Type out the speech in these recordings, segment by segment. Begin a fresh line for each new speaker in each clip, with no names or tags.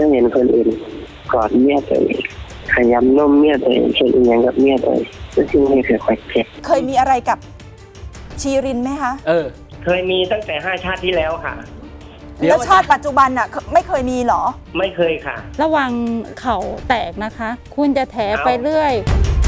ก็เห็นคนอื่นกอดเมียตัวเองขยำนมเมียตัวเองเช่นอย่างกับเมียตัวเองก็ซึ่งไม่เคยค่อยเจ็บ
เคยมีอะไรกับชีรินไหมคะ
เคยมีตั้งแต่5 ชาติที่แล้วค่ะ
แล้วชาติปัจจุบันน่ะไม่เคยมีหรอ
ไม่เคยค่ะ
ระวังเข่าแตกนะคะ คุณจะแถไปเรื่อย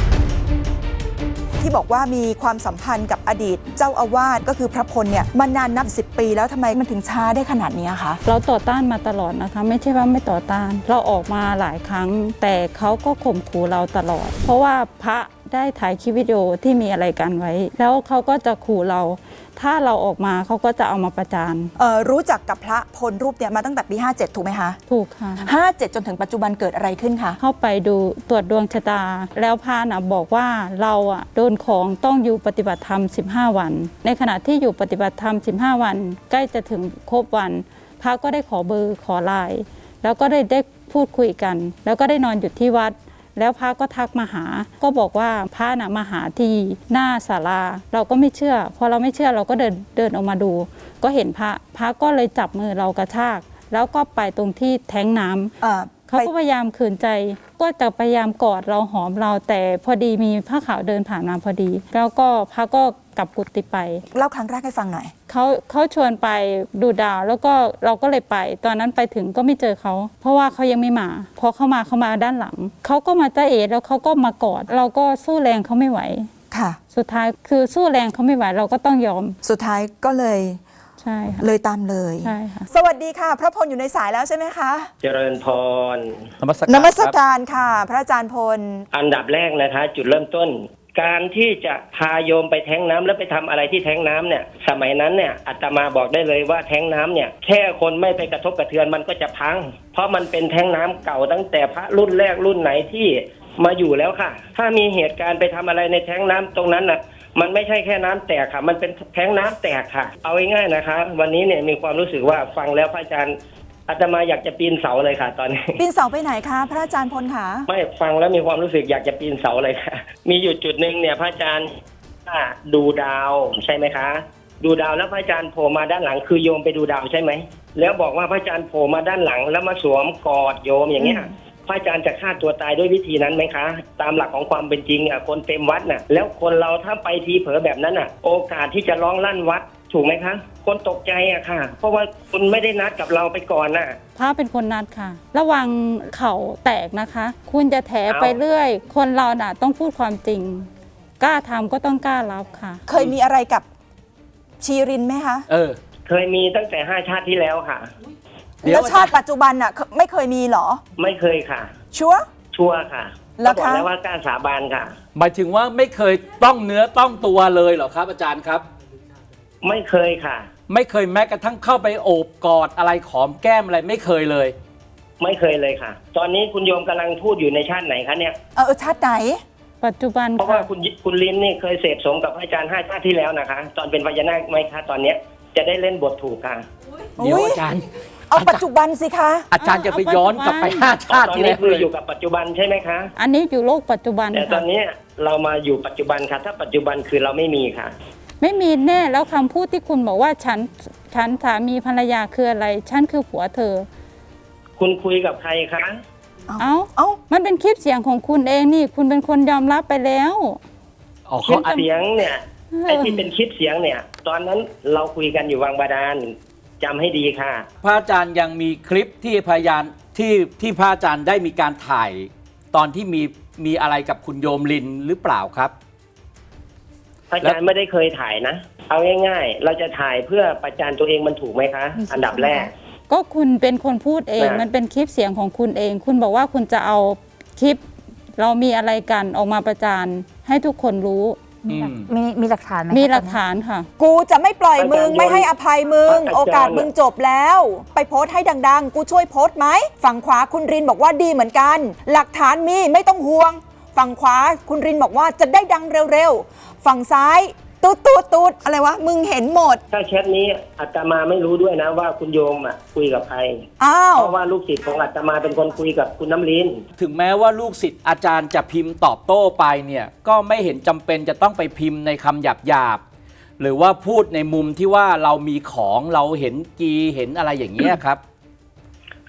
ที่บอกว่ามีความสัมพันธ์กับอดีตเจ้าอาวาสก็คือพระพลเนี่ยมานานนับ10 ปีแล้วทำไมมันถึงช้าได้ขนาดนี้คะ
เราต่อต้านมาตลอดนะคะไม่ใช่ว่าไม่ต่อต้านเราออกมาหลายครั้งแต่เขาก็ข่มขู่เราตลอดเพราะว่าพระได้ถ่ายคลิปวิดีโอที่มีอะไรกันไว้แล้วเขาก็จะขู่เราถ้าเราออกมาเขาก็จะเอามาประจาน
รู้จักกับพระพลรูปเนี่ยมาตั้งแต่ปี57ถูกไหมคะ
ถูกค่ะ
57จนถึงปัจจุบันเกิดอะไรขึ้นคะ
เข้าไปดูตรวจดวงชะตาแล้วพระน่ะบอกว่าเราโดนของต้องอยู่ปฏิบัติธรรม15 วันในขณะที่อยู่ปฏิบัติธรรม15 วันใกล้จะถึงครบวันพระก็ได้ขอเบอร์ขอไลน์แล้วก็ได้พูดคุยกันแล้วก็ได้นอนอยู่ที่วัดแล้วพระก็ทักมาหาก็บอกว่าพระน่ะมาหาที่หน้าศาลาเราก็ไม่เชื่อพอเราไม่เชื่อเราก็เดินออกมาดูก็เห็นพระก็เลยจับมือเรากระชากแล้วก็ไปตรงที่แท้งน้ำเขาก็พยายามขืนใจก็จะพยายามกอดเราหอมเราแต่พอดีมีผ้าขาวเดินผ่านมาพอดีแล้วก็พระก็กลับกุฏิไป
เล่าครั้งแรกให้ฟังหน่อย
เขาชวนไปดูดาวแล้วก็เราก็เลยไปตอนนั้นไปถึงก็ไม่เจอเขาเพราะว่าเขายังไม่มาพอเขามาด้านหลังเขาก็มาจ้าเอ๋แล้วเขาก็มากอดเราก็สู้แรงเขาไม่ไหว
ค่ะ
สุดท้ายคือสู้แรงเขาไม่ไหวเราก็ต้องยอม
สุดท้ายก็เลย
ใช่ค่ะ
เลยตามเลย
ใช่ค่ะ
สวัสดีค่ะพระพลอยู่ในสายแล้วใช่ไหมคะ
เจริญพร
นมัสการค่ะพระอาจารย์พล
อันดับแรกนะคะจุดเริ่มต้นการที่จะพาโยมไปแท้งน้ำแล้วไปทำอะไรที่แท้งน้ำเนี่ยสมัยนั้นเนี่ยอาตมาบอกได้เลยว่าแท้งน้ำเนี่ยแค่คนไม่ไปกระทบกระเทือนมันก็จะพังเพราะมันเป็นแท้งน้ำเก่าตั้งแต่พระรุ่นแรกรุ่นไหนที่มาอยู่แล้วค่ะถ้ามีเหตุการณ์ไปทำอะไรในแท้งน้ำตรงนั้นน่ะมันไม่ใช่แค่น้ำแตกค่ะมันเป็นแท้งน้ำแตกค่ะเอาง่ายๆนะคะวันนี้เนี่ยมีความรู้สึกว่าฟังแล้วพระอาจารย์อาตมาอยากจะปีนเสาเลยค่ะตอนนี้
ปีนเสาไปไหนคะพระอาจารย์พลคะ
ไม่ฟังแล้วมีความรู้สึกอยากจะปีนเสาเลยค่ะมีอยู่จุดหนึ่งเนี่ยพระอาจารย์ดูดาวใช่ไหมคะดูดาวแล้วพระอาจารย์โผล่มาด้านหลังคือโยมไปดูดาวใช่ไหมแล้วบอกว่าพระอาจารย์โผล่มาด้านหลังแล้วมาสวมกอดโยมอย่างเงี้ยพระอาจารย์จะฆ่าตัวตายด้วยวิธีนั้นไหมคะตามหลักของความเป็นจริงคนเต็มวัดน่ะแล้วคนเราถ้าไปทีเผลอแบบนั้นโอกาสที่จะร้องลั่นวัดถูกไหมคะคนตกใจค่ะเพราะว่าคุณไม่ได้นัดกับเราไปก่อน
พระเป็นคนนัดค่ะระวังเข่าแตกนะคะคุณจะแถไปเรื่อยคนเราต้องพูดความจริงกล้าทำก็ต้องกล้ารับค่ะ
เคยมีอะไรกับชีรินไหมคะ
เคยมีตั้งแต่5 ชาติที่แล้วค่ะ
แล้วชาติปัจจุบันไม่เคยมีหรอ
ไม่เคยค่ะ
ชัวร์
ค่ะแล้วบอกแล้วว่ากล้าสาบานค่ะ
หมายถึงว่าไม่เคยต้องเนื้อต้องตัวเลยเหรอครับอาจารย์ครับ
ไม่เคยค่ะ
ไม่เคยแม้กระทั่งเข้าไปโอบกอดอะไรขอมแก้มอะไรไม่เคยเลย
ไม่เคยเลยค่ะตอนนี้คุณโยมกำลังพูดอยู่ในชาติไหนคะเนี่ย
ชาติไหน
ปัจจุบัน
เพราะว่าคุณลินนี่เคยเสพสมกับอาจารย์5 ชาติที่แล้วนะคะตอนเป็นพญานาคไหมคะตอนเนี้ยจะได้เล่นบทถูกค่ะ
เดี๋ยวอาจารย์
เอาปัจจุบันสิคะ
อาจารย์จะไปย้อนกลับไป5 ชาติที่แล้ว
คืออยู่กับปัจจุบันใช่ไหมคะ
อันนี้อยู่โลกปัจจุบัน
แต่ตอนนี้เรามาอยู่ปัจจุบันค่ะถ้าปัจจุบันคือเราไม่มีค่ะ
ไม่มีแน่แล้วคำพูดที่คุณบอกว่าฉันสามีภรรยาคืออะไรฉันคือผัวเธอ
คุณคุยกับใครคะ
มันเป็นคลิปเสียงของคุณเองนี่คุณเป็นคนยอมรับไปแล้ว
คลิปเสียงเนี่ยไอ้ที่เป็นคลิปเสียงเนี่ยตอนนั้นเราคุยกันอยู่วังบาดาลจำให้ดีค่ะ
พระอาจารย์ยังมีคลิปที่พยานที่พระอาจารย์ได้มีการถ่ายตอนที่มีอะไรกับคุณโยมลินหรือเปล่าครับ
พระอาจารย์ไม่ได้เคยถ่ายนะเอาง่ายๆเราจะถ่ายเพื่อประจานตัวเองมันถูกไหมคะอันดับแรก
ก็คุณเป็นคนพูดเองมันเป็นคลิปเสียงของคุณเองคุณบอกว่าคุณจะเอาคลิปเรามีอะไรกันออกมาประจานให้ทุกคนรู้
มีหลักฐานไหม
มีหลักฐานค่ะ
กูจะไม่ปล่อยมึงไม่ให้อภัยมึงโอกาสมึงจบแล้วไปโพสต์ให้ดังๆกูช่วยโพสต์ไหมฝั่งขวาคุณรินบอกว่าดีเหมือนกันหลักฐานมีไม่ต้องห่วงฝั่งขวาคุณรินบอกว่าจะได้ดังเร็วๆฝั่งซ้ายตูดอะไรวะมึงเห็นหมด
ถ้าแชทนี้อาตมาไม่รู้ด้วยนะว่าคุณโยมคุยกับใครเพราะว่าลูกศิษย์ของอาตมาเป็นคนคุยกับคุณน้ำลิ้น
ถึงแม้ว่าลูกศิษย์อาจารย์จะพิมพ์ตอบโต้ไปเนี่ยก็ไม่เห็นจำเป็นจะต้องไปพิมพ์ในคำหยาบหรือว่าพูดในมุมที่ว่าเรามีของเราเห็นกีเห็นอะไรอย่างเงี้ยครับ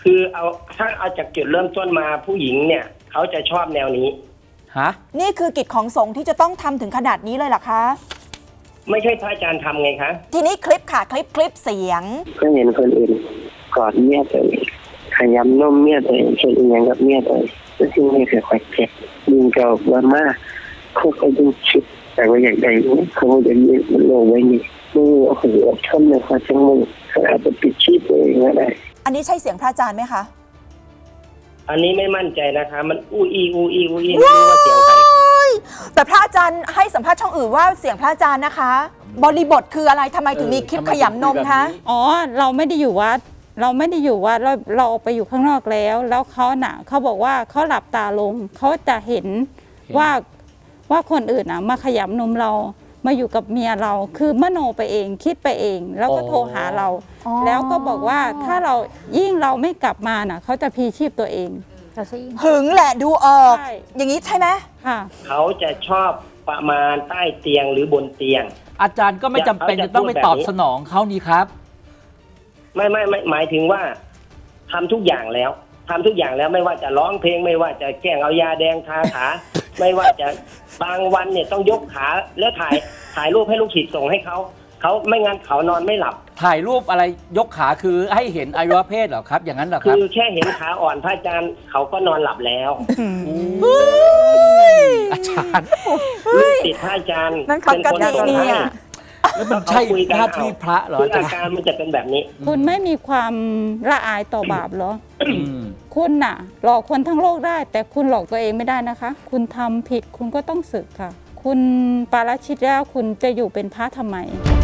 คือถ้าเอาจากจุดเริ่มต้นมาผู้หญิงเนี่ยเขาจะชอบแนวนี้
ฮะ
นี่คือกิจของสงฆ์ที่จะต้องทำถึงขนาดนี้เลยเหรอคะ
ไม่ใช่พระอาจารย์ทำไงคะ
ทีนี้คลิปค่ะคลิปเสียง
ก็เห็นคนอื่นกอดเมียตัวเองขยำนมเมียตัวเองเช่นอย่างกับเมียตัวเองแล้วซึ่งไม่เคยคอยเจ็บยิงเก่าบ้ามากเขาก็ยังคิดแต่ว่าอย่างใดเขาจะยืนมันโลไว้นี่มือโอ้โหทนเลยค่ะจังมือเขาอาจจะปิดชีพตัวเองก็ได้
อันนี้ใช่เสียงพระอาจารย์ไหมคะ
อันนี้ไม่มั่นใจนะคะ มันอู้อีไม่รู้ว่าเสียงใคร
แต่พระอาจารย์ให้สัมภาษณ์ช่องอื่นว่าเสียงพระอาจารย์นะคะ บริบทคืออะไรทำไมถึงมีคลิปขยำนมคะ
อ๋อเราไม่ได้อยู่วัดเราออกไปอยู่ข้างนอกแล้วเขาน่ะเขาบอกว่าเขาหลับตาลงเขาจะเห็นว่าคนอื่นน่ะมาขยำนมเรามาอยู่กับเมียเราคือมโนไปเองคิดไปเอง แล้วก็โทรหาเรา
อ๋อ
แล้วก็บอกว่าถ้าเรายิ่งเราไม่กลับมาน่ะเขาจะพลีชีพตัวเอง
หึงแหละดูออก
ใช่
อย่างนี้ใช่ไหม
ค่ะ
เขาจะชอบประมาณใต้เตียงหรือบนเตียง
อาจารย์ก็ไม่จำเป็นจะต้องไปตอบสนองเขานี่ครับ
ไม่หมายถึงว่าทำทุกอย่างแล้วไม่ว่าจะร้องเพลงไม่ว่าจะแกล้งเอายาแดงทาขา ไม่ว่าจะบางวันเนี่ยต้องยกขาแล้วถ่ายรูปให้ลูกศิษย์ส่งให้เขาไม่งั้นเขานอนไม่หลับ
ถ่ายรูปอะไรยกขาคือให้เห็นอวัยวะเพศเหรอครับ อย่างนั้นเหรอค
คื
รับ
อแค่เห็นขาอ่อนพระอาจารย์เขาก็นอนหลับแล้ว
อาจารย์
ลูกศิษย์พระอาจารย์
นั่นปกติเนี่ย
แล้วมันใช่หน้าที่พระเหรอ
คือ
อา
อา
จารย์
การมันจะเป็นแบบนี้
คุณไม่มีความละอายต่อบาปเหรอ
อืม
คุณน่ะ หลอกคนทั้งโลกได้ แต่คุณหลอกตัวเองไม่ได้นะคะ คุณทำผิดคุณก็ต้องสึกค่ะ คุณปาราชิกแล้วคุณจะอยู่เป็นพระทำไม